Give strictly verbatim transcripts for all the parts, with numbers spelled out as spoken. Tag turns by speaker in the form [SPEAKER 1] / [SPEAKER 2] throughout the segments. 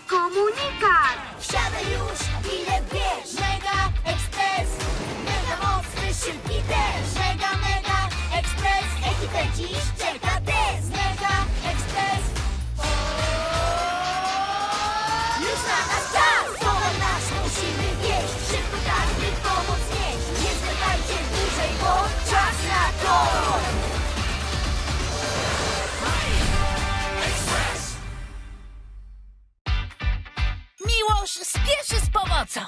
[SPEAKER 1] komunikat.
[SPEAKER 2] Wsiadaj już, bilet bierz. Mega Express, mega mocny, szybki też. Mega, mega Express, ekipę dziś czeka test. Mega Express, już na nas czas. Towar nasz musimy wieść, szybko tak, by pomoc nieść. Nie zwlekajcie dłużej, bo czas na to.
[SPEAKER 3] Miłosz spieszy z pomocą.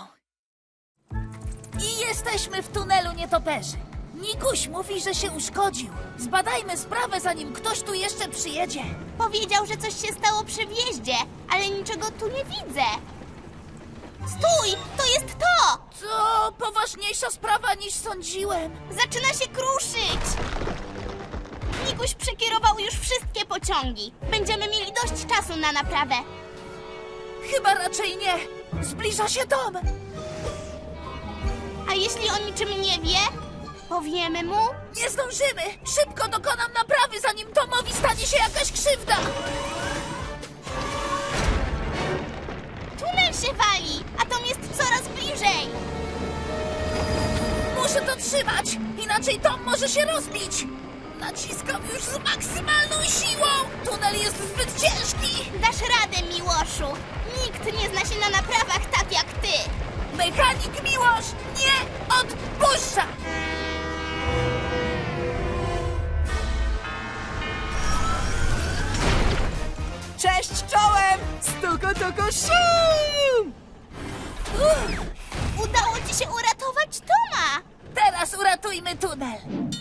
[SPEAKER 3] I jesteśmy w tunelu nietoperzy. Nikuś mówi, że się uszkodził. Zbadajmy sprawę, zanim ktoś tu jeszcze przyjedzie.
[SPEAKER 4] Powiedział, że coś się stało przy wjeździe, ale niczego tu nie widzę. Stój! To jest to!
[SPEAKER 3] To poważniejsza sprawa niż sądziłem.
[SPEAKER 4] Zaczyna się kruszyć! Nikuś przekierował już wszystkie pociągi. Będziemy mieli dość czasu na naprawę.
[SPEAKER 3] Chyba raczej nie. Zbliża się dom.
[SPEAKER 4] A jeśli o niczym nie wie, powiemy mu?
[SPEAKER 3] Nie zdążymy. Szybko dokonam naprawy, zanim domowi stanie się jakaś krzywda.
[SPEAKER 4] Tunel się wali, a dom jest coraz bliżej.
[SPEAKER 3] Muszę to trzymać, inaczej dom może się rozbić. Naciskam już z maksymalną siłą. Tunel jest zbyt ciężki.
[SPEAKER 4] Dasz radę, Miłoszu. Nikt nie zna się na naprawach tak jak ty.
[SPEAKER 3] Mechanik Miłosz nie odpuszcza.
[SPEAKER 5] Cześć czołem! Stuko, tuko, sium!
[SPEAKER 3] Uff,
[SPEAKER 4] Udało ci się uratować Toma.
[SPEAKER 3] teraz uratujmy tunel.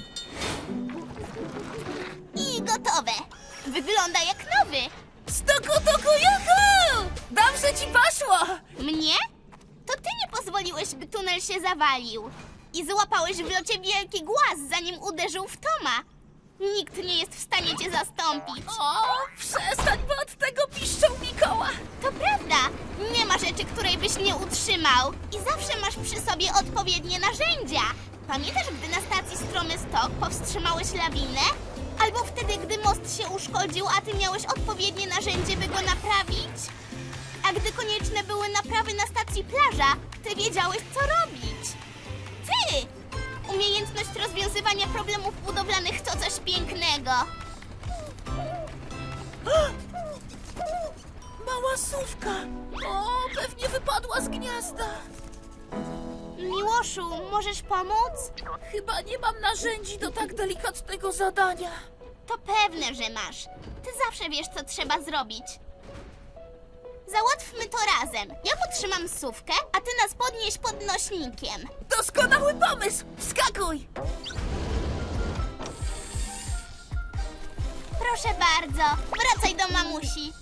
[SPEAKER 4] I gotowe. Wygląda jak nowy.
[SPEAKER 3] Stuku, tuku, juhu! Dobrze ci poszło.
[SPEAKER 4] Mnie? To ty nie pozwoliłeś, by tunel się zawalił. I złapałeś w locie wielki głaz, zanim uderzył w Toma. Nikt nie jest w stanie cię zastąpić.
[SPEAKER 3] O, przestań, bo od tego piszczał Mikoła.
[SPEAKER 4] To prawda. Nie ma rzeczy, której byś nie utrzymał. I zawsze masz przy sobie odpowiednie narzędzia. Pamiętasz, gdy na stacji Stromy Stok powstrzymałeś lawinę? Albo wtedy, gdy most się uszkodził, a ty miałeś odpowiednie narzędzie, by go naprawić? A gdy konieczne były naprawy na stacji Plaża, ty wiedziałeś, co robić. Ty! Umiejętność rozwiązywania problemów budowlanych to coś pięknego.
[SPEAKER 3] Mała sówka. O, pewnie wypadła z gniazda.
[SPEAKER 4] Miłoszu, możesz pomóc?
[SPEAKER 3] Chyba nie mam narzędzi do tak delikatnego zadania.
[SPEAKER 4] To pewne, że masz. Ty zawsze wiesz, co trzeba zrobić. Załatwmy to razem. Ja potrzymam sówkę, a ty nas podnieś podnośnikiem.
[SPEAKER 3] Doskonały pomysł! Wskakuj!
[SPEAKER 4] Proszę bardzo, wracaj do mamusi.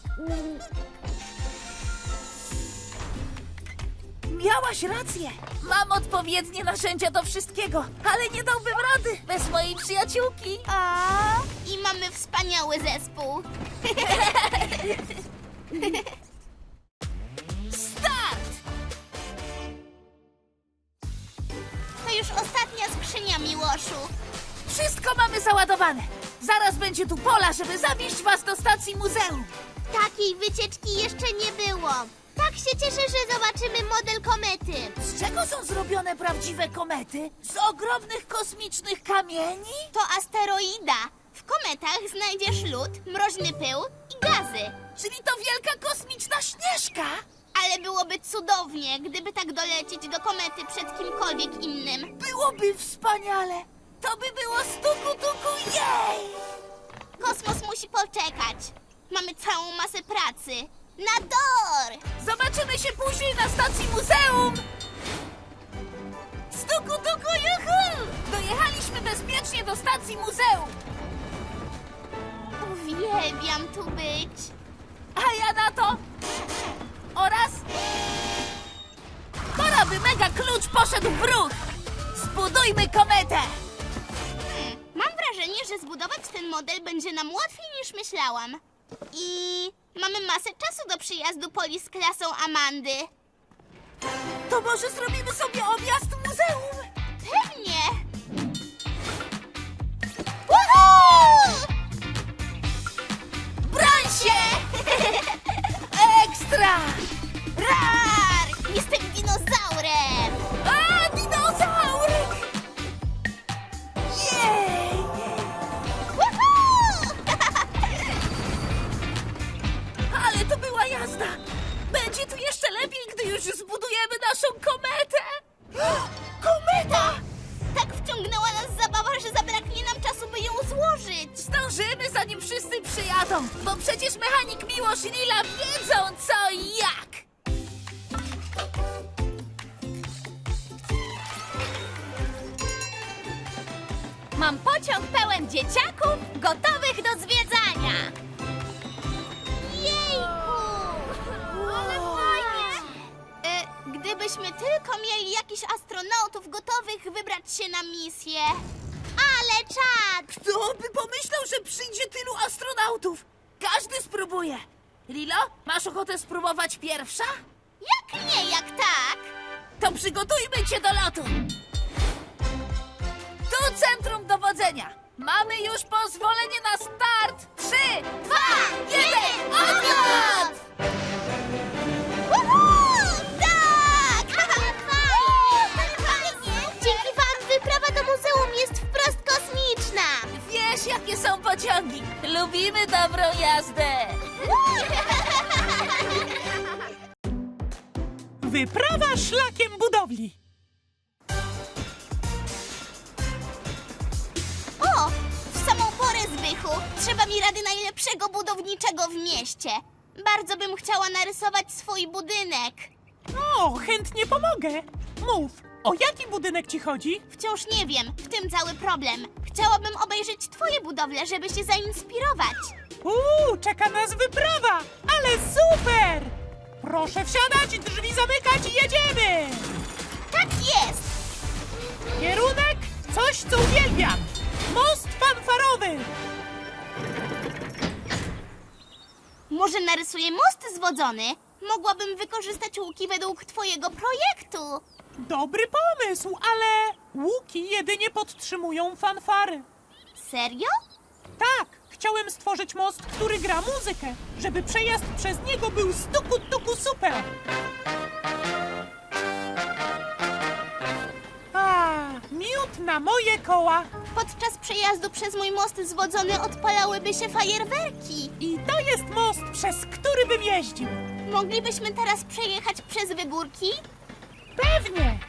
[SPEAKER 3] Miałaś rację. Mam odpowiednie narzędzia do wszystkiego, ale nie dałbym rady bez mojej przyjaciółki.
[SPEAKER 4] O, i mamy wspaniały zespół.
[SPEAKER 3] Start!
[SPEAKER 4] To już ostatnia skrzynia, Miłoszu.
[SPEAKER 3] Wszystko mamy załadowane. Zaraz będzie tu pola, żeby zawieźć was do stacji muzeum.
[SPEAKER 4] Takiej wycieczki jeszcze nie było. Tak się cieszę, że zobaczymy model komety.
[SPEAKER 3] Z czego są zrobione prawdziwe komety? Z ogromnych kosmicznych kamieni?
[SPEAKER 4] To asteroida. W kometach znajdziesz lód, mroźny pył i gazy.
[SPEAKER 3] Czyli to wielka kosmiczna śnieżka?
[SPEAKER 4] Ale byłoby cudownie, gdyby tak dolecieć do komety przed kimkolwiek innym.
[SPEAKER 3] Byłoby wspaniale. To by było stuku tuku jej!
[SPEAKER 4] Kosmos musi poczekać. Mamy całą masę pracy. Na dor!
[SPEAKER 3] Zobaczymy się później na stacji muzeum! Stuku tuku juhu! Dojechaliśmy bezpiecznie do stacji muzeum.
[SPEAKER 4] Uwielbiam tu być.
[SPEAKER 3] A ja na to... Oraz... Pora by mega klucz poszedł w ruch! Zbudujmy kometę!
[SPEAKER 4] Hmm, mam wrażenie, że zbudować ten model będzie nam łatwiej niż myślałam. I mamy masę czasu do przyjazdu Poli z klasą Amandy.
[SPEAKER 3] To może zrobimy sobie objazd muzeum?
[SPEAKER 4] Pewnie! Woohoo!
[SPEAKER 3] Broń się! Ekstra! jazda! Będzie tu jeszcze lepiej, gdy już zbudujemy naszą kometę! Kometa!
[SPEAKER 4] Tak wciągnęła nas zabawa, że zabraknie nam czasu, by ją złożyć.
[SPEAKER 3] Zdążymy, zanim wszyscy przyjadą, bo przecież mechanik Miłosz i Lila wiedzą co i jak!
[SPEAKER 4] Mam pociąg pełen dzieciaków, gotowych do zwiedzania. Jejku! Ale fajnie! E, gdybyśmy tylko mieli jakichś astronautów gotowych wybrać się na misję. Ale czad!
[SPEAKER 3] Kto by pomyślał, że przyjdzie tylu astronautów? Każdy spróbuje. Lilo, masz ochotę spróbować pierwsza?
[SPEAKER 4] Jak nie, jak tak?
[SPEAKER 3] To przygotujmy cię do lotu! Tu centrum dowodzenia! Mamy już pozwolenie na start! Trzy, dwa, jeden, odlot!
[SPEAKER 4] Woohoo! Tak! Fajnie! Dzięki wam wyprawa do muzeum jest wprost kosmiczna!
[SPEAKER 3] Wiesz, jakie są pociągi! Lubimy dobrą jazdę!
[SPEAKER 1] Wyprawa szlakiem budowli.
[SPEAKER 4] O! W samą porę, Zbychu! Trzeba mi rady najlepszego budowniczego w mieście. Bardzo bym chciała narysować swój budynek.
[SPEAKER 1] O, chętnie pomogę. Mów, o jaki budynek ci chodzi?
[SPEAKER 4] Wciąż nie wiem, w tym cały problem. Chciałabym obejrzeć twoje budowle, żeby się zainspirować.
[SPEAKER 1] Uuu, czeka nas wyprawa, ale super! Proszę wsiadać, drzwi zamykać i jedziemy!
[SPEAKER 4] Tak jest!
[SPEAKER 1] Kierunek, coś co uwielbiam. Most fanfarowy.
[SPEAKER 4] Może narysuję most zwodzony? Mogłabym wykorzystać łuki według twojego projektu.
[SPEAKER 1] Dobry pomysł, ale łuki jedynie podtrzymują fanfary.
[SPEAKER 4] Serio?
[SPEAKER 1] Tak, chciałem stworzyć most, który gra muzykę, żeby przejazd przez niego był stuku tuku super. A, miód na moje koła.
[SPEAKER 4] Podczas przejazdu przez mój most zwodzony odpalałyby się fajerwerki.
[SPEAKER 1] I to jest most, przez który bym jeździł.
[SPEAKER 4] Moglibyśmy teraz przejechać przez wygórki?
[SPEAKER 1] Pewnie.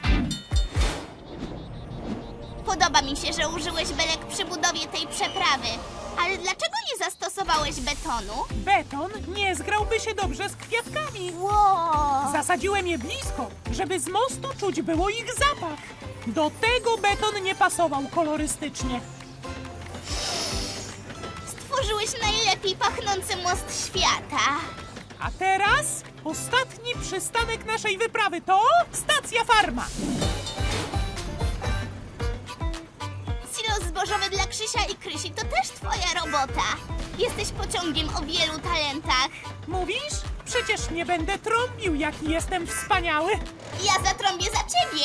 [SPEAKER 4] Podoba mi się, że użyłeś belek przy budowie tej przeprawy. Ale dlaczego nie zastosowałeś betonu?
[SPEAKER 1] Beton nie zgrałby się dobrze z kwiatkami.
[SPEAKER 4] Wow!
[SPEAKER 1] Zasadziłem je blisko, żeby z mostu czuć było ich zapach. Do tego beton nie pasował kolorystycznie.
[SPEAKER 4] Stworzyłeś najlepiej pachnący most świata.
[SPEAKER 1] A teraz ostatni przystanek naszej wyprawy to stacja farma.
[SPEAKER 4] Silos zbożowy dla Krzysia i Krysi to też twoja robota. Jesteś pociągiem o wielu talentach.
[SPEAKER 1] Mówisz? Przecież nie będę trąbił, jaki jestem wspaniały.
[SPEAKER 4] Ja zatrąbię za ciebie.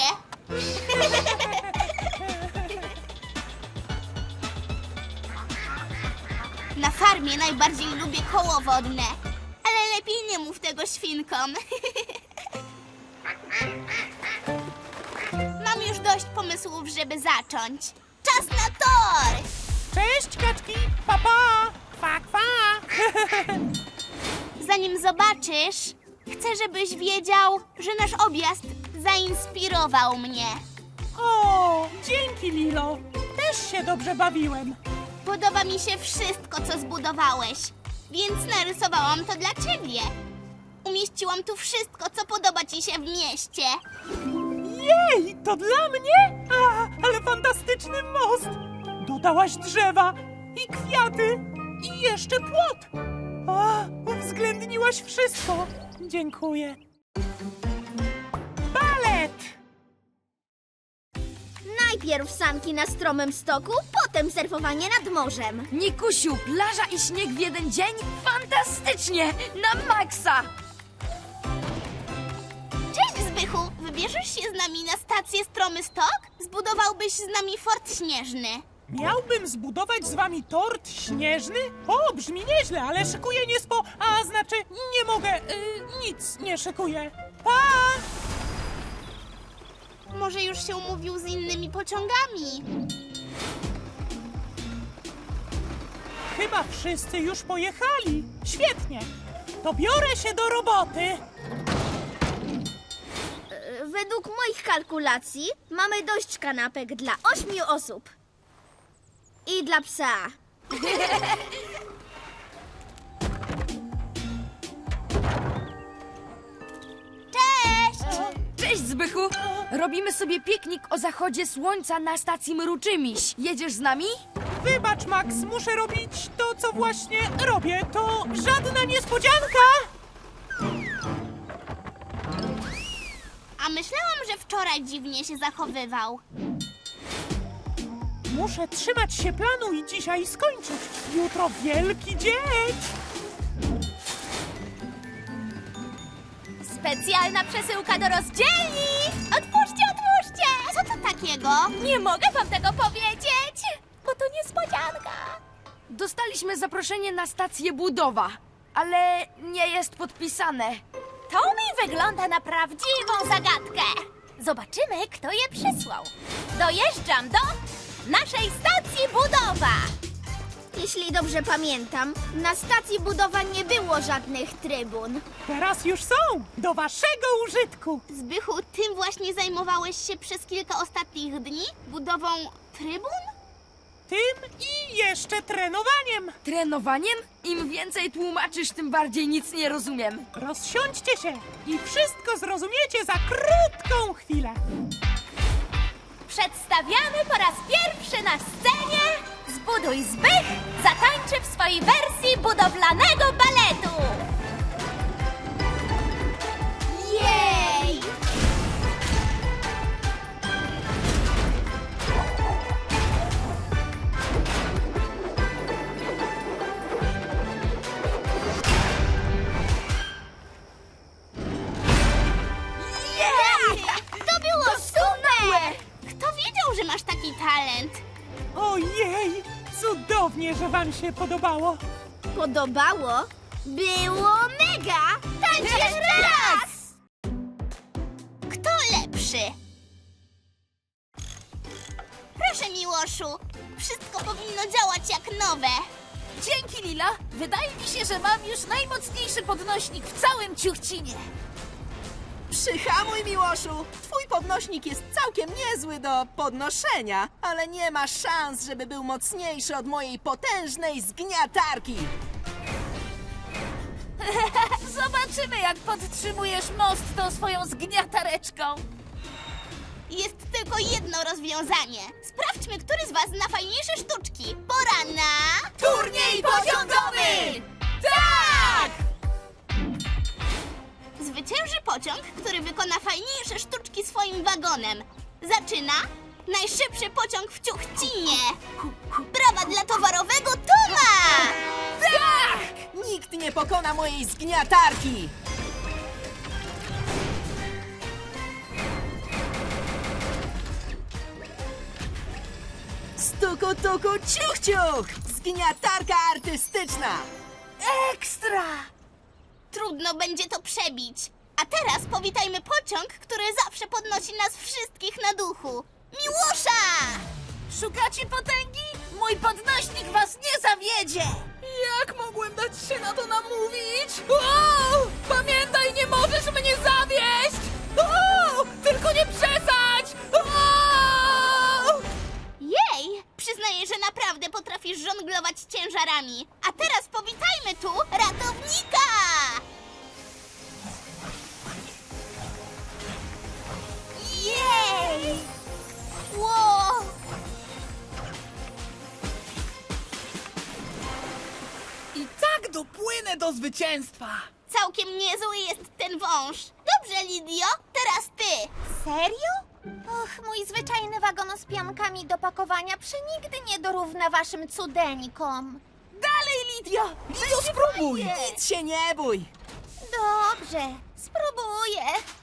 [SPEAKER 4] Na farmie najbardziej lubię koło wodne. Ale lepiej nie mów tego świnkom. Mam już dość pomysłów, żeby zacząć. Czas na tor!
[SPEAKER 1] Cześć, kaczki! Pa, pa! Kwa, kwa!
[SPEAKER 4] Zanim zobaczysz, chcę, żebyś wiedział, że nasz objazd zainspirował mnie.
[SPEAKER 1] O, dzięki, Lilo. Też się dobrze bawiłem.
[SPEAKER 4] Podoba mi się wszystko, co zbudowałeś, więc narysowałam to dla ciebie. Umieściłam tu wszystko, co podoba ci się w mieście.
[SPEAKER 1] Jej, to dla mnie? A, ale fantastyczny most! Dodałaś drzewa i kwiaty i jeszcze płot. A, uwzględniłaś wszystko. Dziękuję. Balet!
[SPEAKER 2] Najpierw sanki na stromym stoku, potem surfowanie nad morzem.
[SPEAKER 3] Nikusiu, plaża i śnieg w jeden dzień? Fantastycznie! Na maksa!
[SPEAKER 4] Cześć, Zbychu! Wybierzesz się z nami na stację Stromy Stok? Zbudowałbyś z nami fort śnieżny.
[SPEAKER 1] Miałbym zbudować z wami tort śnieżny? O, brzmi nieźle, ale szykuję niespo... A, znaczy, nie mogę, y, nic nie szykuję. Pa!
[SPEAKER 4] Może już się umówił z innymi pociągami.
[SPEAKER 1] Chyba wszyscy już pojechali. Świetnie. to biorę się do roboty.
[SPEAKER 2] Według moich kalkulacji mamy dość kanapek dla ośmiu osób. I dla psa.
[SPEAKER 4] Cześć!
[SPEAKER 5] Cześć, Zbychu! Robimy sobie piknik o zachodzie słońca na stacji Mruczymiś. Jedziesz z nami?
[SPEAKER 1] Wybacz, Max, muszę robić to, co właśnie robię. To żadna niespodzianka.
[SPEAKER 4] A myślałam, że wczoraj dziwnie się zachowywał.
[SPEAKER 1] Muszę trzymać się planu i dzisiaj skończyć. Jutro wielki dzień.
[SPEAKER 4] Specjalna przesyłka do rozdzielni! Otwórzcie, otwórzcie! Co to takiego? Nie mogę wam tego powiedzieć, bo to niespodzianka.
[SPEAKER 5] Dostaliśmy zaproszenie na stację Budowa, ale nie jest podpisane.
[SPEAKER 4] To mi wygląda na prawdziwą zagadkę. Zobaczymy, kto je przysłał. Dojeżdżam do naszej stacji Budowa.
[SPEAKER 2] Jeśli dobrze pamiętam, na stacji budowa nie było żadnych trybun.
[SPEAKER 1] Teraz już są. Do waszego użytku.
[SPEAKER 4] Zbychu, tym właśnie zajmowałeś się przez kilka ostatnich dni? Budową trybun?
[SPEAKER 1] Tym i jeszcze trenowaniem.
[SPEAKER 5] Trenowaniem? Im więcej tłumaczysz, tym bardziej nic nie rozumiem.
[SPEAKER 1] Rozsiądźcie się i wszystko zrozumiecie za krótką chwilę.
[SPEAKER 4] Przedstawiamy po raz pierwszy na scenie Zbuduj Zbych zatańczy w swojej wersji budowlanego baletu. Jej! Jej! To było super! Kto wiedział, że masz taki talent?
[SPEAKER 1] Ojej, cudownie, że wam się podobało.
[SPEAKER 2] Podobało? Było mega!
[SPEAKER 4] Tańcz jeszcze raz! Kto lepszy? Proszę, Miłoszu. Wszystko powinno działać jak nowe.
[SPEAKER 3] Dzięki, Lila. Wydaje mi się, że mam już najmocniejszy podnośnik w całym Ciuchcinie.
[SPEAKER 6] Przyhamuj, Miłoszu! Twój podnośnik jest całkiem niezły do podnoszenia, ale nie ma szans, żeby był mocniejszy od mojej potężnej zgniatarki.
[SPEAKER 3] Zobaczymy, jak podtrzymujesz most tą swoją zgniatareczką.
[SPEAKER 4] Jest tylko jedno rozwiązanie. Sprawdźmy, który z was zna fajniejsze sztuczki. Pora na...
[SPEAKER 3] Turniej pociągowy!
[SPEAKER 4] Tak! Zwycięży pociąg, który wykona fajniejsze sztuczki swoim wagonem. Zaczyna najszybszy pociąg w Ciuchcinie. Brawa dla towarowego Toma!
[SPEAKER 6] Nikt nie pokona mojej zgniatarki! Stuku, tuku, ciuch, ciuch! Zgniatarka artystyczna!
[SPEAKER 3] Ekstra!
[SPEAKER 4] Trudno będzie to przebić. A teraz powitajmy pociąg, który zawsze podnosi nas wszystkich na duchu. Miłosza!
[SPEAKER 3] Szukacie potęgi? Mój podnośnik was nie zawiedzie!
[SPEAKER 5] Jak mogłem dać się na to namówić? O! Pamiętaj, nie możesz mnie zawieść! O! Tylko nie przesadź! O!
[SPEAKER 4] Jej! Przyznaję, że naprawdę potrafisz żonglować ciężarami. A teraz powitajmy tu ratownika! Jej! Wow!
[SPEAKER 5] I tak dopłynę do zwycięstwa!
[SPEAKER 4] Całkiem niezły jest ten wąż. Dobrze, Lidio, teraz ty. Serio? Och, mój zwyczajny wagon z piankami do pakowania przenigdy nie dorówna waszym cudeńkom.
[SPEAKER 3] Dalej, Lidio!
[SPEAKER 5] Lidio, spróbuj!
[SPEAKER 6] Nic się nie bój!
[SPEAKER 4] Dobrze, spróbuję.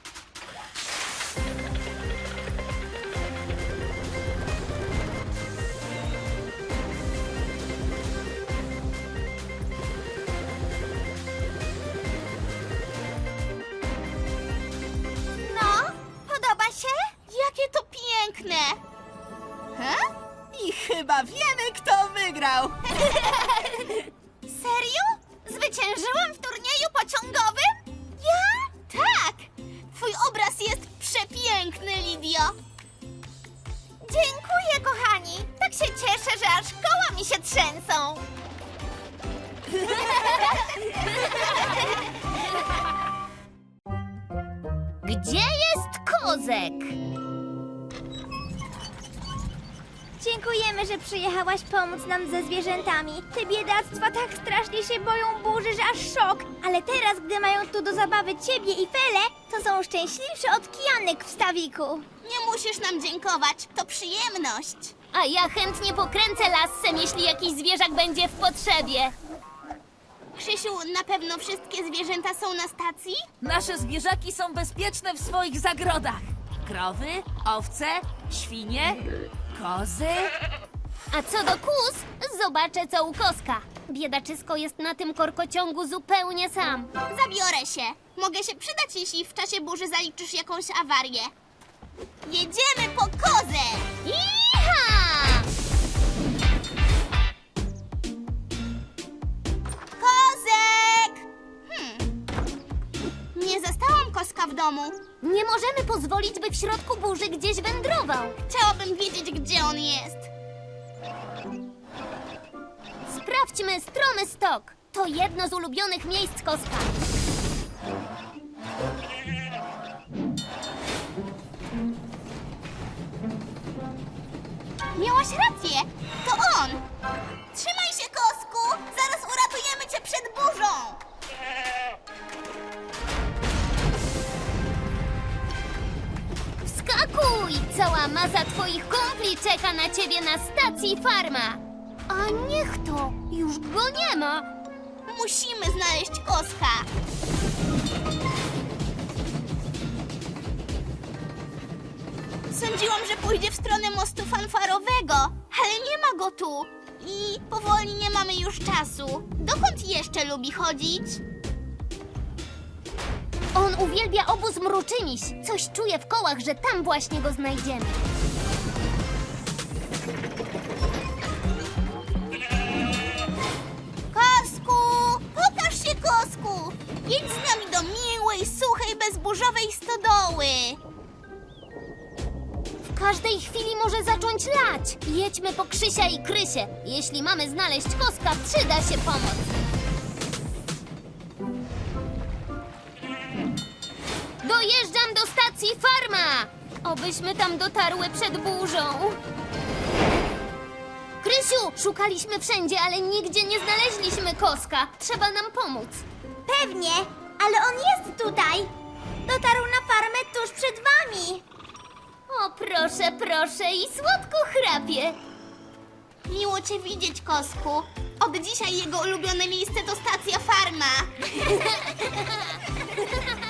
[SPEAKER 4] No, podoba się? Jakie to piękne! He?
[SPEAKER 6] I chyba wiemy, kto wygrał!
[SPEAKER 4] Serio? Zwyciężyłam w turnieju pociągowym!
[SPEAKER 7] Kozek.
[SPEAKER 8] Dziękujemy, że przyjechałaś pomóc nam ze zwierzętami. Te biedactwa tak strasznie się boją burzy, że aż szok. Ale teraz, gdy mają tu do zabawy ciebie i Felę, to są szczęśliwsze od kijanek w stawiku.
[SPEAKER 4] Nie musisz nam dziękować, to przyjemność.
[SPEAKER 7] A ja chętnie pokręcę lassem, jeśli jakiś zwierzak będzie w potrzebie.
[SPEAKER 4] Krzysiu, na pewno wszystkie zwierzęta są na stacji?
[SPEAKER 3] Nasze zwierzaki są bezpieczne w swoich zagrodach. Krowy, owce, świnie, kozy.
[SPEAKER 7] A co do kóz, zobaczę co u Koska. Biedaczysko jest na tym korkociągu zupełnie sam.
[SPEAKER 4] Zabiorę się. Mogę się przydać, jeśli w czasie burzy zaliczysz jakąś awarię. Jedziemy po kozę!
[SPEAKER 7] Iha!
[SPEAKER 4] Kozek! Hmm. Nie zastałam Koska w domu.
[SPEAKER 7] Nie możemy pozwolić, by w środku burzy gdzieś wędrował.
[SPEAKER 4] Chciałabym wiedzieć, gdzie on jest.
[SPEAKER 7] Sprawdźmy Stromy Stok. To jedno z ulubionych miejsc Koska.
[SPEAKER 4] Miałaś rację. To on. Trzymaj się, Kosku. Zaraz uratujemy cię przed burzą.
[SPEAKER 7] Wskakuj! Cała masa twoich kumpli czeka na ciebie na stacji farma. A niech to, już go nie ma.
[SPEAKER 4] Musimy znaleźć Koska. Sądziłam, że pójdzie w stronę mostu fanfarowego, ale nie ma go tu. I powoli nie mamy już czasu. Dokąd jeszcze lubi chodzić?
[SPEAKER 7] On uwielbia obóz Mruczyniś. Coś czuje w kołach, że tam właśnie go znajdziemy.
[SPEAKER 4] Kosku! Pokaż się, Kosku! Jedź z nami do miłej, suchej, bezburzowej stodoły.
[SPEAKER 7] W każdej chwili może zacząć lać. Jedźmy po Krzysia i Krysię. Jeśli mamy znaleźć Koska, przyda się pomoc. Dojeżdżam do stacji farma! Obyśmy tam dotarły przed burzą. Krysiu, szukaliśmy wszędzie, ale nigdzie nie znaleźliśmy Koska. Trzeba nam pomóc.
[SPEAKER 8] Pewnie, ale on jest tutaj. Dotarł na farmę tuż przed wami.
[SPEAKER 7] O, proszę, proszę i słodko chrapie.
[SPEAKER 4] Miło cię widzieć, Kosku. Od dzisiaj jego ulubione miejsce to stacja farma.